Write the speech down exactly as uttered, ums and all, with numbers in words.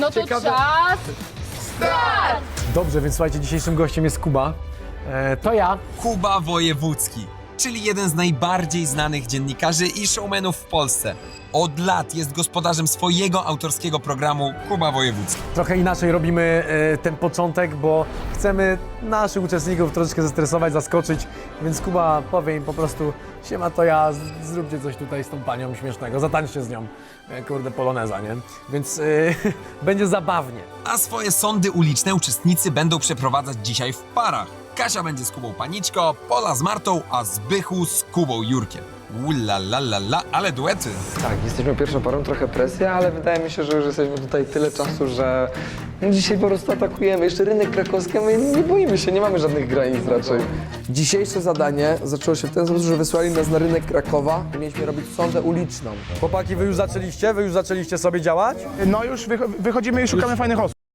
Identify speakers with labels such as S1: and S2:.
S1: No to
S2: Ciekawe-
S1: czas. Start!
S2: Dobrze, więc słuchajcie, dzisiejszym gościem jest Kuba. E, to ja.
S3: Kuba Wojewódzki, czyli jeden z najbardziej znanych dziennikarzy i showmenów w Polsce. Od lat jest gospodarzem swojego autorskiego programu Kuba Wojewódzki.
S2: Trochę inaczej robimy e, ten początek, bo chcemy naszych uczestników troszeczkę zestresować, zaskoczyć, więc Kuba powie im po prostu: siema, to ja, z- zróbcie coś tutaj z tą panią śmiesznego, zatańczcie z nią, e, kurde, poloneza, nie? Więc e, będzie zabawnie.
S3: A swoje sądy uliczne uczestnicy będą przeprowadzać dzisiaj w parach. Kasia będzie z Kubą Paniczko, Pola z Martą, a Zbychu z Kubą Jurkiem. Ula la la la, ale duety.
S4: Tak, jesteśmy pierwszą parą, trochę presja, ale wydaje mi się, że już jesteśmy tutaj tyle czasu, że no dzisiaj po prostu atakujemy. Jeszcze rynek krakowski, a my nie boimy się, nie mamy żadnych granic raczej.
S5: Dzisiejsze zadanie zaczęło się w ten sposób, że wysłali nas na rynek Krakowa i mieliśmy robić sondę uliczną.
S2: Chłopaki, wy już zaczęliście? Wy już zaczęliście sobie działać?
S6: No już wycho- wychodzimy i szukamy fajnych osób.